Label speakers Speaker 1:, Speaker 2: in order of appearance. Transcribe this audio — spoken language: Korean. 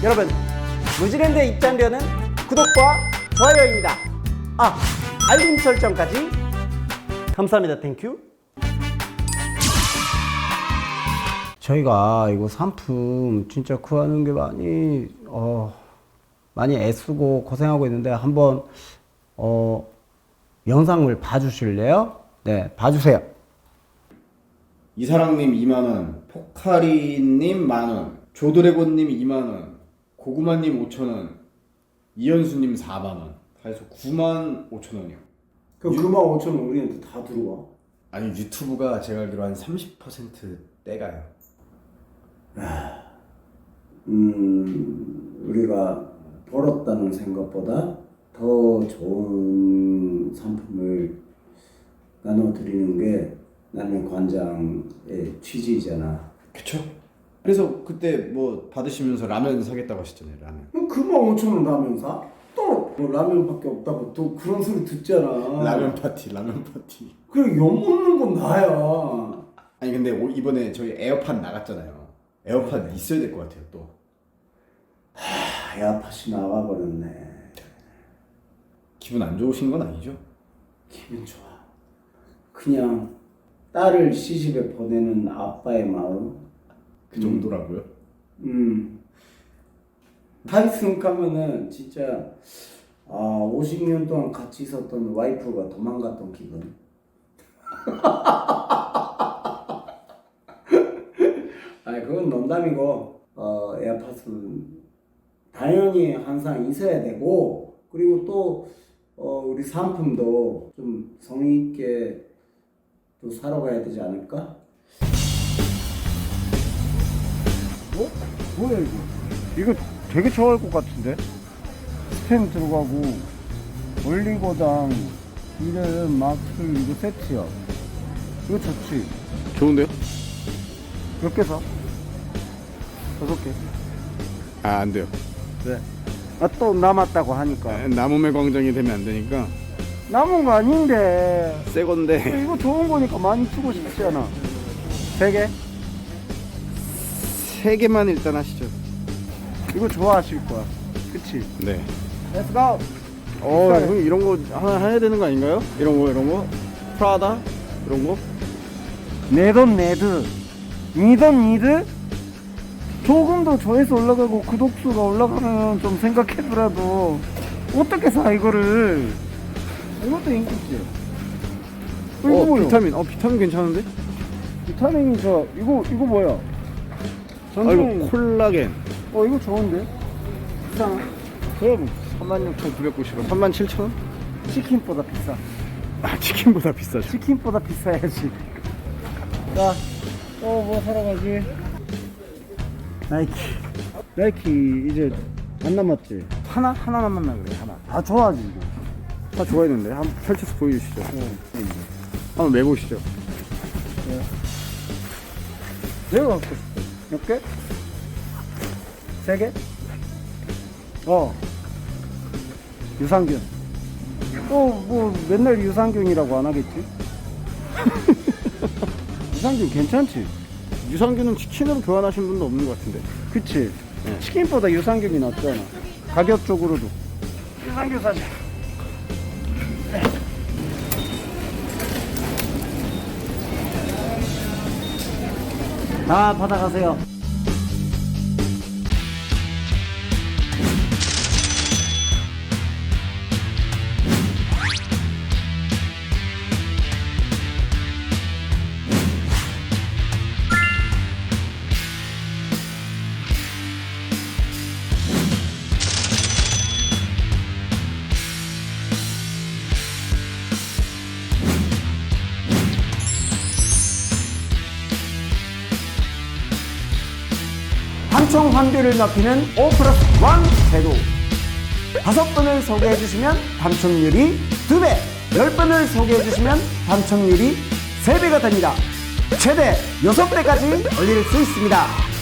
Speaker 1: 여러분, 무지랜드에 입장료는 구독과 좋아요입니다. 알림 설정까지. 감사합니다. 땡큐. 저희가 이거 상품 진짜 구하는 게 많이 애쓰고 고생하고 있는데 한번 영상을 봐주실래요? 네, 봐주세요.
Speaker 2: 이사랑님 2만원, 포카리님 만원, 조드래곤님 2만원, 고구마님 5천원, 이현수님 4만원. 다 해서 9만 5천원이요.
Speaker 3: 그럼 9만 5천원 우리한테 다 들어와?
Speaker 2: 아니, 유튜브가 제가 알기로 한 30% 떼가요.
Speaker 3: 우리가 벌었다는 생각보다 더 좋은 상품을 나눠드리는 게 나는 관장의 취지잖아.
Speaker 2: 그쵸? 그래서 그때 뭐 받으시면서 라면 사겠다고 하셨잖아요. 라면.
Speaker 3: 그럼 9만 5천원 라면 사? 또뭐 라면밖에 없다고 또 그런 소리 듣잖아.
Speaker 2: 라면 파티.
Speaker 3: 그래, 엿먹는 건 나야.
Speaker 2: 아니 근데 이번에 저희 에어팟 나갔잖아요. 에어팟 있어야 될 것 같아요 또.
Speaker 3: 에어팟이 나가버렸네.
Speaker 2: 기분 안 좋으신 건 아니죠?
Speaker 3: 기분 좋아. 그냥 딸을 시집에 보내는 아빠의 마음.
Speaker 2: 그 정도라고요?
Speaker 3: 한숨 가면은 진짜 50년 동안 같이 있었던 와이프가 도망갔던 기분. 아니, 그건 농담이고, 에어팟은 당연히 항상 있어야 되고, 그리고 또 우리 상품도 좀 성의 있게 또 사러 가야 되지 않을까?
Speaker 4: 뭐야 이거 되게 좋아할 것 같은데? 스팸 들어가고 올리고당 이름 마술 이거 세트야. 이거 좋지?
Speaker 2: 좋은데요?
Speaker 4: 몇 개 사? 5개.
Speaker 2: 아, 안 돼요.
Speaker 4: 왜? 또 남았다고 하니까.
Speaker 2: 남음의 광장이 되면 안 되니까.
Speaker 4: 남은 거 아닌데.
Speaker 2: 새 건데.
Speaker 4: 이거 좋은 거니까 많이 주고 싶지 않아. 3개?
Speaker 2: 3개만 일단 하시죠.
Speaker 4: 이거 좋아하실 거야. 그치?
Speaker 2: 네.
Speaker 4: Let's go!
Speaker 2: 형 이런 거 하나 해야 되는 거 아닌가요? 이런 거? 프라다? 이런 거?
Speaker 4: 내 돈 내드. 니 돈 니드? 조금 더 조회수 올라가고 구독수가 올라가면 좀 생각해보라도 어떻게 사 이거를. 이것도 인기지. 이거 뭐야?
Speaker 2: 비타민 괜찮은데?
Speaker 4: 비타민이 이거 뭐야?
Speaker 2: 이거 콜라겐.
Speaker 4: 이거 좋은데? 비싸나?
Speaker 2: 그럼 36,990원. 37,000원?
Speaker 4: 치킨보다 비싸.
Speaker 2: 치킨보다 비싸죠.
Speaker 4: 치킨보다 비싸야지. 자, 뭐 사러 가지? 나이키 이제 안 남았지? 하나 남았나 그래, 하나. 좋아하지 이거.
Speaker 2: 다 좋아했는데 한번 펼쳐서 보여주시죠. 한번 매보시죠.
Speaker 4: 내가 갖고 싶어. 몇 개? 3개? 유산균. 뭐 맨날 유산균이라고 안 하겠지? 유산균 괜찮지?
Speaker 2: 유산균은 치킨으로 교환하신 분도 없는 것 같은데.
Speaker 4: 그치?
Speaker 2: 네.
Speaker 4: 치킨보다 유산균이 낫잖아. 가격적으로도. 유산균 사자. 다 받아가세요.
Speaker 1: 당첨 확률을 높이는 5+1 제도. 5분을 소개해주시면 당첨률이 2배, 10분을 소개해주시면 당첨률이 3배가 됩니다. 최대 6배까지 올릴 수 있습니다.